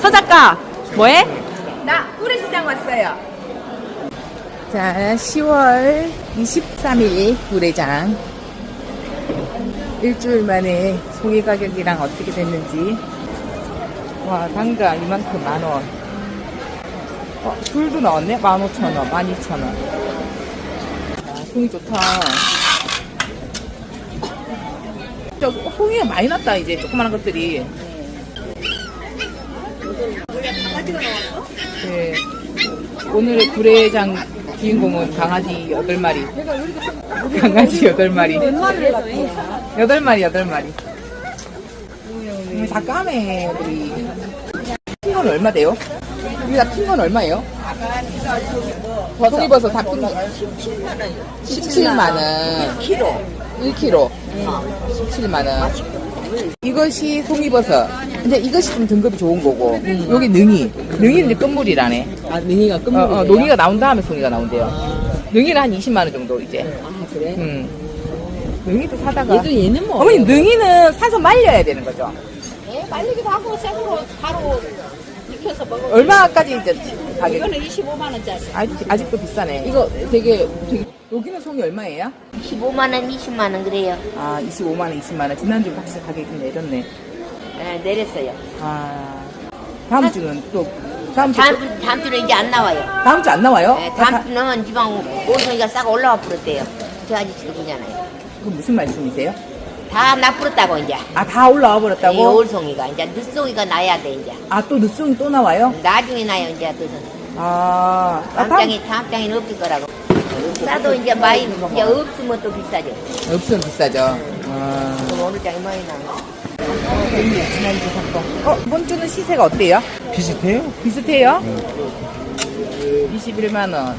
서 작가 뭐해? 나 구례시장 왔어요. 자, 10월 23일 구례장. 일주일 만에 송이 가격이랑 어떻게 됐는지. 와, 당가 이만큼 만원. 굴도 나왔네? 15,000원, 12,000원. 아, 송이 좋다. 저 송이가 많이 났다, 이제 조그마한 것들이. 네. 오늘의 구례장 주인공은 강아지 8마리. 강아지 8마리. 8마리. 다 까매, 애들이. 큰 건 얼마 돼요? 이게 다 큰 건 얼마예요? 송이버섯 다 큰 거. 17만원. 1kg. 17만원. 이것이 송이버섯. 근데 이것이 좀 등급이 좋은 거고, 여기 능이. 능이는 이제 끝물이라네. 아, 능이가 끝물이에요? 농이가 나온 다음에 송이가 나온대요. 능이는 한 20만원 정도, 이제. 아, 그래? 능이도 사다가. 얘는 뭐? 어머니, 능이는 사서 말려야 되는 거죠? 예, 말리기도 하고 생으로 바로 익혀서 먹어요. 얼마까지 이제 가격? 이거는 25만원짜리. 아직도 비싸네. 이거 되게, 여기는 송이 얼마예요? 15만원, 20만원 그래요. 아, 25만원, 20만원. 지난주 확실히 가격이 좀 내렸네. 네, 내렸어요. 아, 다음 주는 또, 다음 주 주는 이제 안 나와요. 다음 주 안 나와요? 네, 다음 주는 지방 오송이가 싹 올라와 버렸대요. 저 아저씨도 그잖아요. 그건 무슨 말씀이세요? 다 나버렸다고 이제. 아, 다 올라와 이 버렸다고? 올송이가 이제 늦송이가 나야 돼 이제. 아, 또 늦송이 또 나와요? 나중에 나요 이제 뜻은. 다음 다음 장에는 없을 거라고. 싸도 이제 많이 이제 없으면 또 비싸죠. 없으면 비싸죠. 그럼 어느 장에 많이 나와. 지난주 샀고. 이번 주는 시세가 어때요? 비슷해요? 비슷해요? 21만원.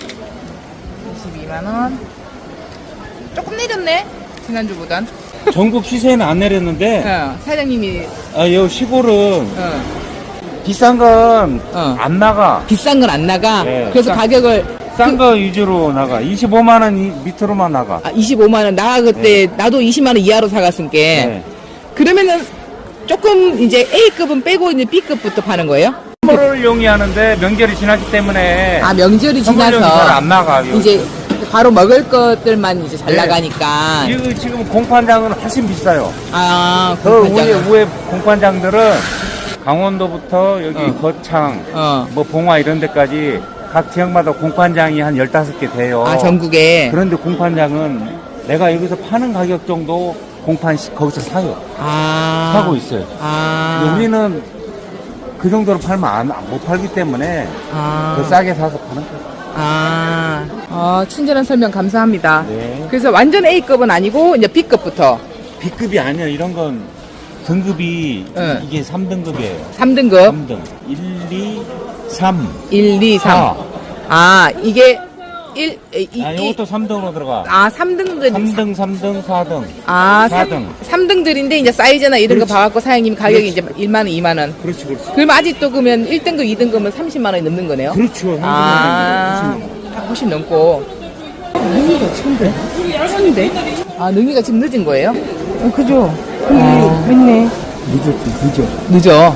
22만원. 조금 내렸네? 지난주보단. 전국 시세는 안 내렸는데, 사장님이, 요 시골은 비싼 건 안 나가. 비싼 건 안 나가. 네, 그래서 가격을. 싼 거 위주로 나가. 25만원 밑으로만 나가. 25만원. 나 그때, 나도 20만원 이하로 사갔으니까. 네. 그러면은 조금 이제 A급은 빼고 이제 B급부터 파는 거예요? 선물을 용이하는데 명절이 지났기 때문에 아, 명절이 선물용이 지나서 잘 안 나가. 이제 바로 먹을 것들만 이제 잘 네. 나가니까. 이거 지금 공판장은 훨씬 비싸요. 아, 그 공판장은. 위에 공판장들은 강원도부터 여기 거창, 뭐 봉화 이런 데까지 각 지역마다 공판장이 한 15개 돼요. 아, 전국에. 그런데 공판장은 내가 여기서 파는 가격 정도 공판씩 거기서 사요. 아. 사고 있어요. 아. 근데 우리는 그 정도로 팔면 못 팔기 때문에 더 싸게 사서 파는 거예요. 친절한 설명 감사합니다. 네. 그래서 완전 A급은 아니고 이제 B급부터 B급이 아니야. 이런 건 등급이 네. 이게 3등급이에요. 3등급. 3등. 1, 2, 3. 1, 2, 3. 아. 아, 이게 1, 이것도 3등으로 들어가. 3등들. 3등, 3등, 4등. 4등. 3등들인데 이제 사이즈나 이런 그렇지. 거 봐갖고 사장님이 가격이 그렇지. 이제 1만원, 2만원. 그렇지, 그렇지. 그럼 아직도 그러면 1등급, 2등급은 30만원이 넘는 거네요? 그렇죠. 훨씬 넘고. 능이가 지금데? 빨간데? 아, 능이가 지금 늦은 거예요? 그죠. 늦네. 늦어.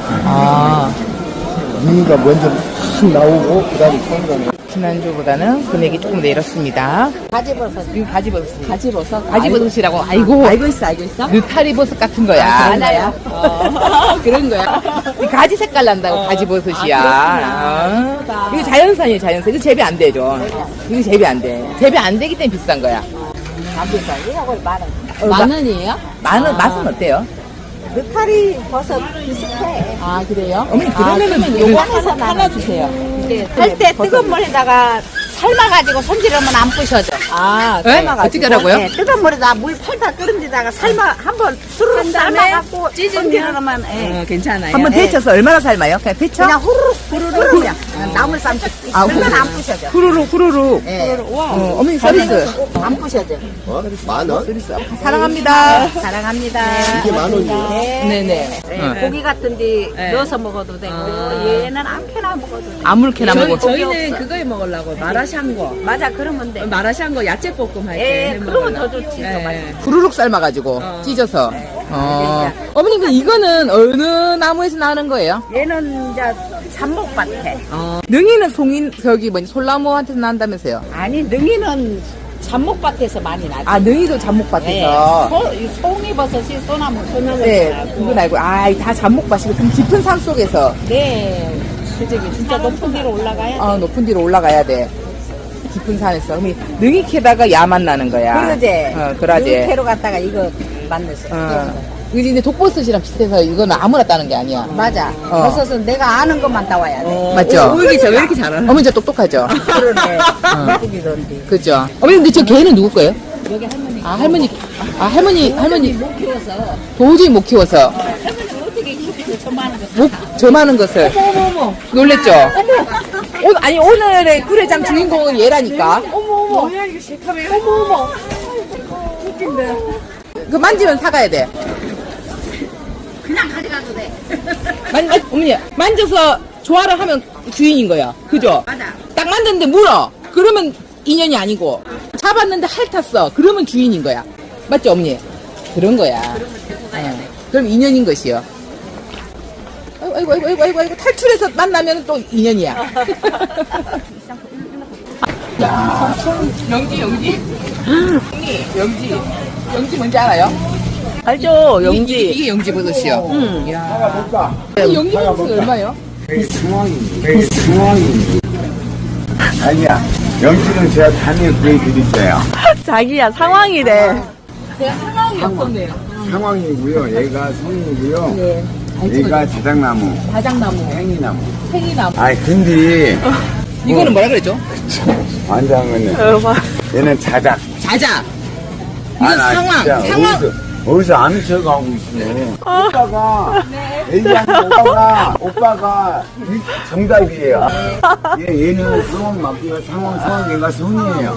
능이가 먼저 확 나오고 그다음에 송이가 지난주보다는 금액이 조금 내렸습니다. 가지버섯. 이거 가지버섯. 가지버섯. 가지버섯이라고. 아이고. 알고 있어. 느타리버섯 같은 거야. 알아요. 그런 거야. 이 가지 색깔 난다고 가지버섯이야. 이거 자연산이에요, 자연산. 이거 재배 안 되죠. 이거 재배 안 돼. 재배 안 되기 때문에 비싼 거야. 안 비싸. 이거 만원. 만원이에요? 만원, 맛은 어때요? 느타리 버섯 비슷해. 아, 그래요? 어머니, 그러면은 요거에서 하나 주세요. 할 때 뜨거운 물에다가 삶아가지고 손질하면 안 부셔져. 아, 어떻게 하라고요? 네, 뜨거운 물에다가 물 팔팔 끓은 데다가 한번 수르륵 삶아갖고 손질하면 괜찮아요. 한번 데쳐서 얼마나 삶아요? 그냥 데쳐? 그냥 후루룩 그냥 나물 삶듯 그러면 안 부셔져. 후루룩. 네. 어머니 서비스. 안 부셔져. 만원? 사랑합니다. 사랑합니다. 이게 만원이에요? 네네. 고기 같은데 넣어서 먹어도 되고 얘는 아무렇게나 먹어도 돼. 아무렇게나 먹어. 저희는 그거에 먹으려고 마라샹궈. 맞아 그러면 돼. 마라샹궈 야채 볶음 할 때. 예, 그러면 더 좋지. 더 맛있어. 후루룩 삶아가지고 찢어서. 어머니, 그 이거는 어느 나무에서 나는 거예요? 얘는 이제 잡목밭에. 능이는 솔나무한테서 난다면서요? 아니, 능이는 잡목밭에서 많이 나지. 아, 능이도 잡목밭에서. 이 송이버섯이 소나무. 네, 그건 알고. 아, 다 잡목밭이고, 그럼 깊은 산 속에서. 네. 수직이 진짜 높은 데로 올라가야 돼. 높은 데로 올라가야 돼. 깊은 산에서. 그럼 능이 캐다가 야만 나는 거야. 그러지. 그러지. 캐로 갔다가 이거 만들었어. 이게 이제 독버섯이랑 비슷해서 이거는 아무나 따는 게 아니야. 맞아. 버섯은 내가 아는 것만 따와야 돼. 맞죠? 왜 이렇게 잘하나? 어머니 진짜 똑똑하죠? 그러네. 예쁘기던데. 그죠? 어머니 근데 저 개는 누구 거예요? 여기 할머니. 할머니 못 키워서. 도저히 못 키워서 할머니가 어떻게 키우고 저 많은 거. 저 많은 것을. 어머. 놀랬죠? 오늘의 구례장 주인공은 얘라니까. 어머. 뭐야 이거 실카메. 어머. 웃긴데. 그 만지면 사가야 돼. 그냥 가져가도 돼. 어머니 만져서 좋아를 하면 주인인 거야. 그죠? 맞아. 딱 만졌는데 물어. 그러면 인연이 아니고 잡았는데 핥았어. 그러면 주인인 거야. 맞죠, 어머니? 그런 거야. 그럼 인연인 것이요. 아이고 탈출해서 만나면 또 인연이야. 영지. 영지 뭔지 알아요? 알죠, 영지. 이게 영지 버섯이요. 이 영지 버섯이 얼마요? 상황입니다. 아니야. 영지는 제가 단위에 구해드릴게요. 자기야, 상황이래. 제가 상황이 없었네요. 상황이고요. 얘가 성이고요. 얘가 자작나무, 다장나무, 행이나무. 생이나무. 아이 근데 이거는 뭐라 그랬죠? 완장은 얘는 자작. 자자. 이건 나 상황. 진짜 상황. 어디서 아는 척하고 있네. 오빠가 얘기하는 오빠가 정답이에요. 얘는 상황 맞고요. 상황 얘가 성이에요.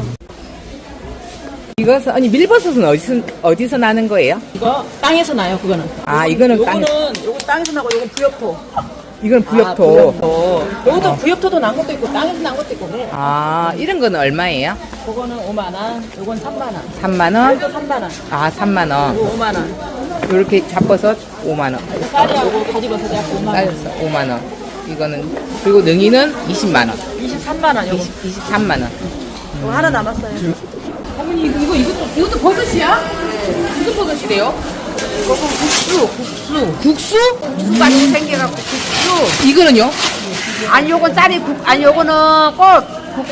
이것은 아니 밀버섯은 어디서 나는 거예요? 이거 땅에서 나요, 그거는. 아 이거는 땅. 요거 땅에서 나고, 요거 부엽토. 이건 부엽토. 요것도 부엽토도 난 것도 있고, 땅에서 난 것도 있고, 그래. 아 이런 거는 얼마예요? 그거는 5만원, 요건 3만원. 3만 원? 요거 3만원. 아 3만 원. 요거 5만원. 이렇게 잡버섯 5만 원. 쌀이하고 가지버섯 해갖고 5만원. 쌀 5만 원. 이거는 그리고 능이는 20만 원. 23만원, 요거. 23만 원. 요거 하나 남았어요. 어머니 이것도 버섯이야? 무슨 버섯이래요? 이거 국수. 국수? 국수같이 생겨갖고 국수. 이거는요? 아니 요건 쌀이 아니 요거는 꽃.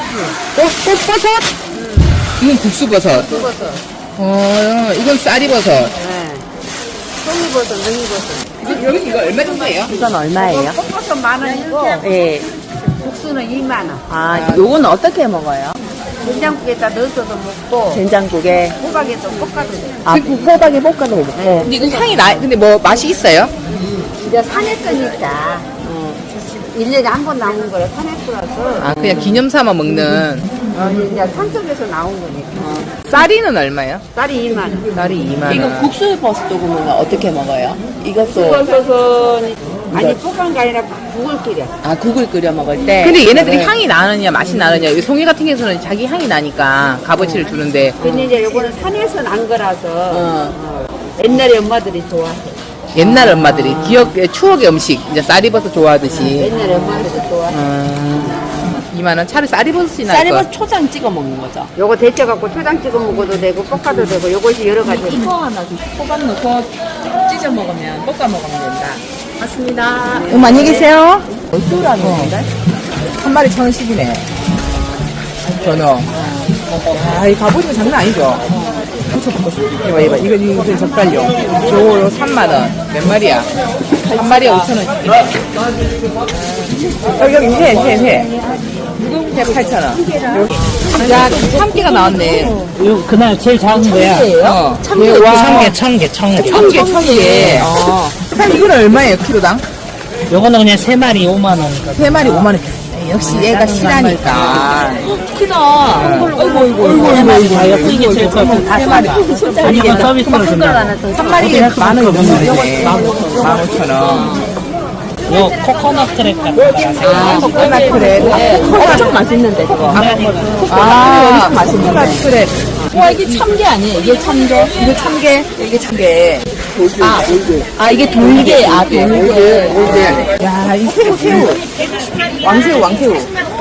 꽃버섯? 이건 국수버섯. 국버섯. 이건 쌀이버섯. 네. 송이버섯, 능이버섯. 이거 얼마 정도예요? 이건 얼마예요? 꽃버섯 10,000원이고 예. 국수는 2만원. 아, 요건 어떻게 먹어요? 된장국에다 넣어서도 먹고 된장국에. 호박에도 볶아도 돼. 아, 호박에 볶아도 먹고. 근데 이거 향이 근데 뭐 맛이 있어요? 이제 산에 뜨니까 1년에 한 번 나오는 거라 산에 뿌려서 아 그냥 기념 삼아 먹는. 이제 산속에서 나온 거니까. 쌀이는 얼마예요? 쌀이 2만원. 쌀이 2만 원. 이거 국수버섯도 그러면 어떻게 먹어요? 이것도. 국버섯은 아니 볶은 게 아니라 국을 끓여. 아, 국을 끓여 먹을 때. 근데 얘네들이 향이 나느냐 맛이 나느냐. 이 송이 같은 경우는 자기 향이 나니까 값어치를 주는데 근데 이제 요거는 산에서 난 거라서 옛날에 엄마들이 좋아해. 옛날 엄마들이 추억의 음식 이제 쌀이버섯 좋아하듯이. 옛날에 엄마들이 좋아해. 2만 원 차라리 쌀이버섯이 나을 것 쌀이버섯 같아. 초장 찍어 먹는 거죠. 요거 데쳐갖고 초장 찍어 먹어도 되고 볶아도 되고 요것이 여러 가지. 이거 하나 주시고 호박 넣고 찢어 먹으면 볶아 먹으면 된다. 맞습니다. 안녕히 계세요. 얼마라는 건데? 한 마리 1,000원씩이네. 전어. 아, 이 갑오징어 장난 아니죠? 이봐. 이거 젓갈용. 요거 3만원. 몇 마리야? 한 마리에 5,000원. 여기 회 8,000원. 야, 참깨가 나왔네. 요 그날 제일 작은 거야. 참깨. 와. 청개. 청개. 그럼 이건 얼마예요, 키로당? 요거는 그냥 3마리 5만 원. 3마리 5만원. 역시 얘가 실하니까. 크다. 이거 이게 제일 커. 다 3마리. 아니면 서비스로 준다. 한 마리에 만 원이 넘는데. 15,000원. 요 코코넛 트랙 같은 거라서. 아, 코코넛 크랩. 엄청 맛있는데, 그거. 아, 코코넛 크랩. 와, 이게 참게 아니에요? 이게 참게? 이거 참게. 이게 참게. 아, 이게 돌게. 아, 돌게. 야, 이 새우. 왕새우.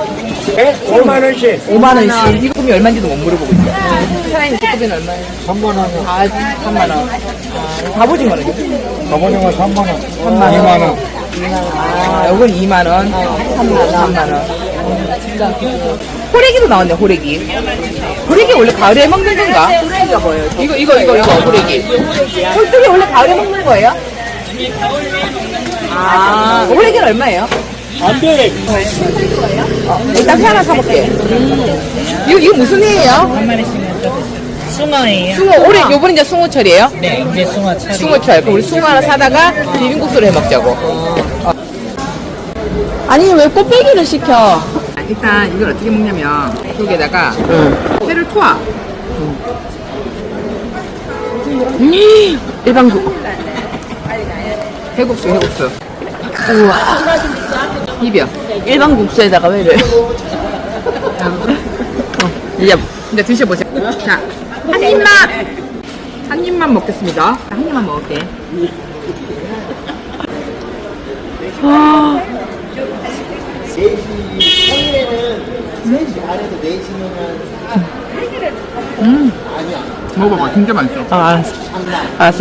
5만원씩. 5만원씩. 이금이 얼마인지도 못 물어보고 있어. 사장님, 이금은 얼마예요? 3만원. 아, 3만원. 아, 갑오징어는요? 가보니까 3만원. 3만원. 2만원. 아, 요건 2만원. 3만원. 호래기도 나왔네, 호래기. 호래기 원래 가을에 먹는 건가? 호래기가 뭐예요? 이거, 호래기. 홀쭉이 원래 가을에 먹는 거예요? 아, 호래기는 얼마예요? 안 돼. 일단 하나 사볼게. 이거 무슨 회예요? 한 마리씩은 숭어예요. 숭어, 올해, 요번에 이제 숭어철이에요? 네, 이제 숭어철이. 숭어철. 그럼 우리 숭어 하나 사다가 비빔국수를 해 먹자고. 아니 왜 꽃배기를 시켜? 일단 이걸 어떻게 먹냐면 여기에다가 회를 토아. 일반국. 해국수. 우와. 입이야. 일반 국수에다가 왜를? 이제 드셔보세요. 자, 한 입만 먹겠습니다. 한 입만 먹을게. 먹어봐, 진짜 맛있어. 아, 알았어.